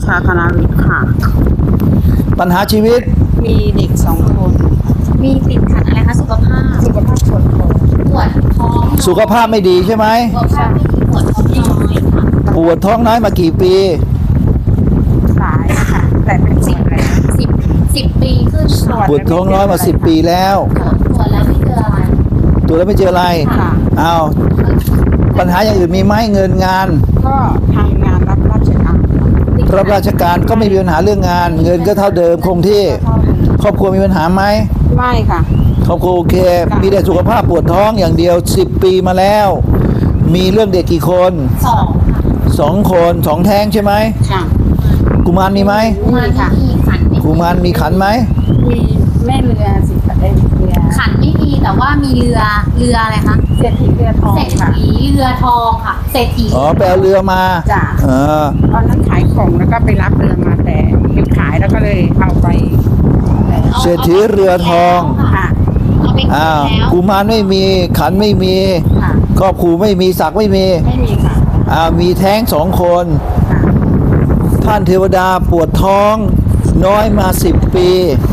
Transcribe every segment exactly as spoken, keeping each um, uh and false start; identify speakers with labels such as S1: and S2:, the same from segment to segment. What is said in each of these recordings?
S1: ชาคณาวิทย์ค่ะ
S2: ปัญหาชีวิต
S1: มีเด็กสองคน
S3: มีติดขัดอะไรคะสุขภาพ
S1: สุขภาพปวดท้อง
S3: ปวดท้อง
S2: สุขภาพไม่ดีใช่ไหม
S3: สุขภาพไม่ดีปวดท้องน้อยค่ะ
S2: ปวดท้องน้อยมากี่ปี
S1: หลายค่ะแต่เป็นสิบแล้ว
S3: สิบสิบปีขึ้น
S2: ปวดท้องน้อยมาสิบปีแล้ว
S3: ตรวจแล้วไม่เจออะไร
S2: ตรวจแล้วไม่เจออะไรอ้าวปัญหาอย่างอื่นมีไหมเงินงาน
S1: ก็ทำงานรับราชการ
S2: รับราชการก็ไม่มีปัญหาเรื่องงานเงินก็เท่าเดิมคงที่ครอบครัวมีปัญหาไหม
S1: ไม่ค่ะ
S2: ครอบครัวโอเคมีแต่สุขภาพปวดท้องอย่างเดียวสิบปีมาแล้วมีเรื่องเด็กกี่คน
S3: สองค่ะ
S2: สองคนสองแท้งใช่ไหม
S1: ค่ะ
S2: กุมารมีไหม
S3: กุมารค่ะมีขัน
S2: กุมารมีขันไหม
S1: มีแม่เรือสิเอ็นเรือ
S3: ขันไม่มีแต่ว่ามีเรือเรืออะไรคะ
S1: เศรษฐีเรือทอง
S3: เศรษฐีเรือทองค่ะเศรษฐี
S2: อ๋อแปลเรือมา
S1: จ้ะ
S2: เออ
S1: ตอนนั้นขายของแล้วก็ไปรับเรือมาแต่ไปขายแล้วก็เลยเอาไป
S2: เศรษฐีเรือทอง
S1: ค่ะ
S2: อ้าวกุมารไม่มีขันไม่มีครอบครัวไม่มีศักดิ์ไม่มี
S1: ไม่มีค่ะ
S2: อ้าวมีแท้งสองคนท่านเทวดาปวดท้องน้อยมาสิบปี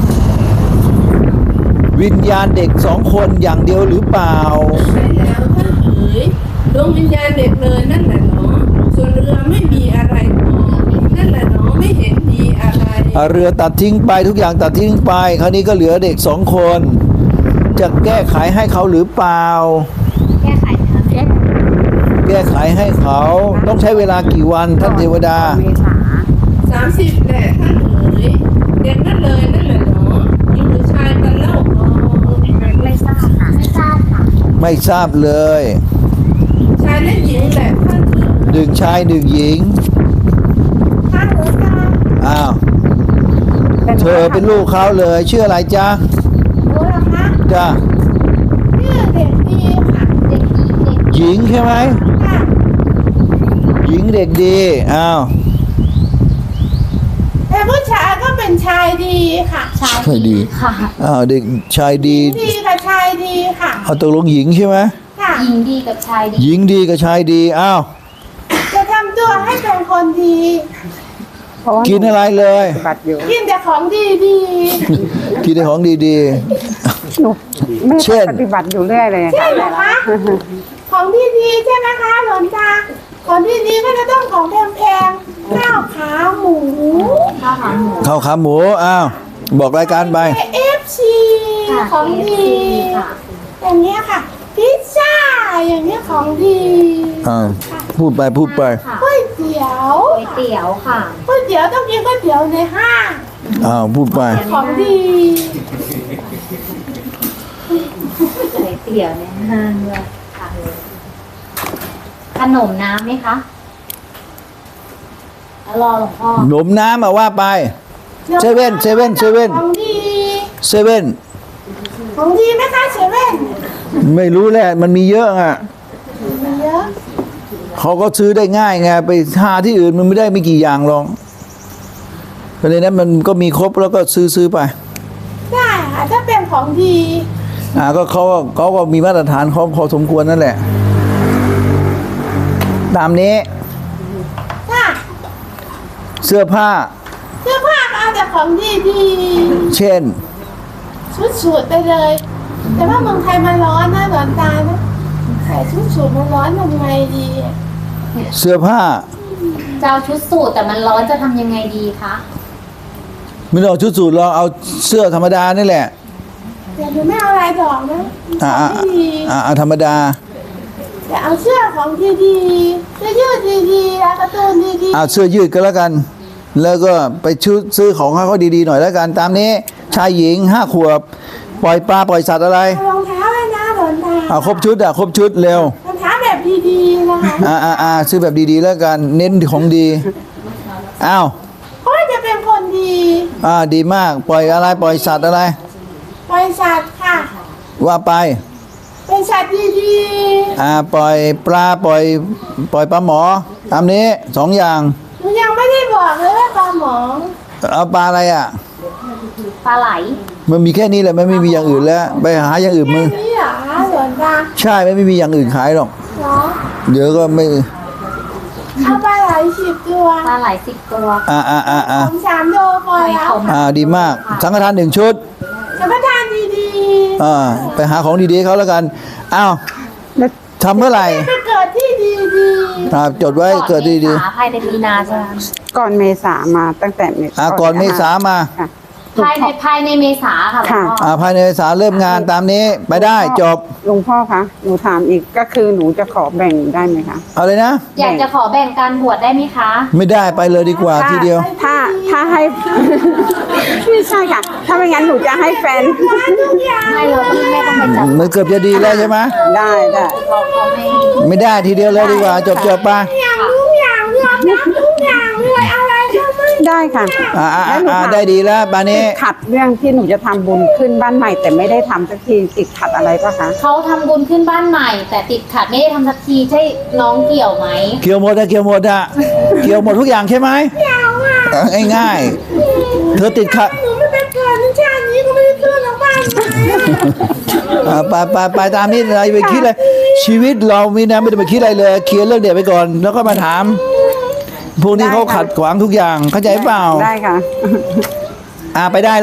S2: วิญญาณเด็กสองคนอย่างเดียวหรือเปล่า
S4: ใช่แล้วท่านเอ๋ยดวงวิญญาณเด็กเลยนั่นแหละเนาะส่วนเรือไม่มีอะไรพอนั่นแหละเนาะไม่เห็นมีอะไร
S2: เรือตัดทิ้งไปทุกอย่างตัดทิ้งไปคราวนี้ก็เหลือเด็กสองคนจะแก้ไขให้เขาหรือเปล่า
S3: แก้ไขนะคะแก้
S2: แก้ไขให้เขาต้องใช้เวลากี่วันท่านเทวดา
S4: สามสิบแหละท่านเอ๋ยเด็กนั่นเลยนั่นแหละเนาะหญิงหรือชายกันเล่าเนาะ
S3: ไม่ทราบค่ะไม่ทราบค่ะ
S2: ไม่ทราบเลย
S4: ชายและหญิงแหละท่านเอ๋ย
S2: หนึ่งชายหนึ่งหญิง
S4: ท่านเอ๋ยจ้า
S2: อ้าวเธอเป็นลูกเขาเลยชื่ออะไรจ๊ะ
S4: รู้แล้วคะ
S2: จ้า
S4: ชื่อเด็กดีค่ะ
S3: เด็กดีเด็ก
S2: หญิงใช่ไหม
S4: ค่ะ
S2: หญิงเด็กดีอ้าว
S4: แต่ผู้ชายก็เป็นชายดีค่ะ
S3: ชายดีค่ะ
S2: อ้าวเด็กชายดี
S4: ดีกับชายดีค่ะ
S2: เอาตกลงหญิงใช่ไหม
S4: ค่ะ
S3: หญิงดีกับชายดี
S2: หญิงดีกับชายดีอ้าว
S4: จะทำตัวให้เป็นคนดี
S2: กินอะไรเลย
S4: กินแต่ของดีดี
S2: กินแต่ของดีดี
S1: เช่นปฏิบัติอยู่เรื่อยเลย
S4: ใช่ไหมคะของดีดีใช่ไหมคะหลวงตาของดีดีก็จะต้องของแพงๆข้าวขาหมู
S2: ข้าวขาหมูข้าวขาหมูอ้าวบอกรายการไป
S4: เอฟซีของดีอย่างเงี้ยค่ะพิซซ่าอย่างเงี้ยของดี
S2: อ่าพูดไปพูดไป
S4: ก๋วยเตี๋ยว
S3: ก๋วยเตี๋ยวค่ะ
S4: ก๋วยเตี๋ยวต้องกินก๋วยเตี๋ยวในห้าง
S2: อ้าวพูดไป
S4: ของดี
S3: ก๋วยเตี๋ยวในห้างด้วยค่ะขนมน้ำไหมคะรอหลวงพ่อ
S2: ขนมน้ำมาว่าไปเซเว่นเซเว่นเซเว่น
S4: ของดี
S2: เซเว่น
S4: ของดีไหมคะเซเว่น
S2: ไม่รู้แหละมันมีเยอะอ่ะ
S4: มีเยอะ
S2: เขาก็ซื้อได้ง่ายไงไปหาที่อื่นมันไม่ได้ไม่กี่อย่างหรอกเพราะฉะนั้นมันก็มีครบแล้วก็ซื้อซื้อไป
S4: ได้ค่ะถ้าเป็นของดี
S2: อ่าก็เขาเขาก็มีมาตรฐานเขาพอสมควรนั่นแหละตามนี้เสื้อผ้า
S4: เสื้อผ้าเอาแต่ของดีดี
S2: เช่น
S4: ชุดสูทไปเลยแต่ว่าเมืองไทยมันร้อนนะหลอนตานะใส่ชุดสูทมันร้อนทำไงดี
S2: เสื้อผ้า
S3: จะเอาชุดสูทแต่มันร้อนจะทำยังไงดีคะ
S2: ไม่ต้องชุดสูทเราเอาเสื้อธรรมดานี่แหละ
S4: แต่หนูไม่เอาลายดอกนะ
S2: อ่าอ่าอ่าธรรมดา
S4: แต่เอาเสื้อของดีๆเสื้อยืดดีๆแล้วการ์ตูนดีๆ
S2: เอาเสื้อยืดก็แล้วกันแล้วก็ไปชุดซื้อของให้เขาดีๆหน่อยแล้วกันตามนี้ชายหญิงห้าขวบปล่อยปลาปล่อยสัตว์อะไร
S4: รองเท้าเลยนะหลอนตา
S2: อ่าครบชุดอ่ะครบชุดเร็ว
S4: รองเท้าแบบดีๆนะคะ
S2: อ่าอ่าอ่าซื้อแบบดีๆแล้วกันเน้นของดีอ้าว
S4: เพราะจะเป็นคนดี
S2: อ่าดีมากปล่อยอะไรปล่อยสัตว์อะไร
S4: ปล่อยสัตว์ค่ะ
S2: ว่าไป
S4: เป็นสัตว์ดีๆ
S2: อ่าปล่อยปลาปล่อยปล่อยปลาหมอตามนี้สองอย่าง
S4: หนูยังไม่ได้บอกเลยว่าปลาหมอ
S2: เอาปลาอะไรอ่ะ
S3: ปลาไหล
S2: มันมีแค่นี้แหละไม่มีอย่างอื่นแล้วไปหาอย่างอื่นมึง
S4: แค่นี้เหรอส่วนปลา
S2: ใช่ไม่มีอย่างอื่นขายหรอกเดี๋ยวก็ไม่
S4: เอาปลาไหลสิบตัว
S3: ปลาไหลสิบตัว
S2: อ่าอ่าอ่าอ่า
S4: ผมสามโลพอแล้ว
S2: อ่าดีมากสังฆทานหนึ่งชุด
S4: สัมปทานดี
S2: อ่าไปหาของดีๆให้เขาแล้วกันอ้าว
S1: แล้ว
S2: ทำเมื่อไหร่
S4: ๆไปเกิดที่ดี
S2: อ่าจดไว้เกิดดี
S3: ก่อนเมษาภายในมีนาใช่ไหม
S1: ก่อนเมษามาตั้งแต่เมษา
S2: ๆอ่าก่อนเมษามา
S1: ค่ะ
S3: ภายในภายในเมษาค่ะหลวงพ่อ
S2: อ่าภายในเมษาเริ่มงานตามนี้ไปได้จบ
S1: หลวงพ่อคะหนูถามอีกก็คือหนูจะขอแบ่งได้ไหมคะ
S2: เอาเลยนะ
S3: อยากจะขอแบ่งการบวชได้ไหมคะ
S2: ไม่ได้ไปเลยดีกว่าทีเดียว
S1: ถ้าถ้าให้ ไม่ใช่ค่ะ ถ้าไม่งั้นหนูจะให้แฟน
S3: ไม่เลยไม่ต้องไปจัด
S2: มันเกือบจะดีแล้วใช่ไหม
S1: ได้ได้
S3: เขาเขาไม่
S2: ไม่ได้ทีเดียวเลยดีกว่า จบจบๆไป
S4: ๆอย่างทุกอย่างยอมรับทุกอย่างเลยอะไรก็ไม่
S1: ได้ค่ะ
S2: อ่าอ่า
S1: แล้วหนู
S2: อ่า
S1: ถาม
S2: ได้ดีแล้วบานนี้
S1: ติดขัดเรื่องที่หนูจะทำบุญขึ้นบ้านใหม่ แต่ไม่ได้ทำสักทีติดขัดอะไรปะคะ
S3: เขาทำบุญขึ้นบ้านใหม่ แต่ติดขัดไม่ได้ทำสักทีใช่น้องเกี่ยวไหม
S2: เกี่ยวหมดอะเกี่ยวหมดอะเกี่ยวหมดทุกอย่างใช่ไหมเกี่ยวอ่ะง่ายๆเธอติดขัด
S4: หนูไม่ไปเกิดในชาตินี้ก็ไม่ได้ขึ้นหรอกบ้านไหน
S2: อ่าไปไปไปตามนี้อะไรไปคิดเลยชีวิตเรามีนะไม่ต้องไปคิดอะไรเลยเคลียร์เรื่องเด็กไปก่อน แล้วก็มาถาม พวกนี้เขาขัดขวางทุกอย่างเข้าใจเปล่า
S1: ได้ค่ะ
S2: อ่าไปได้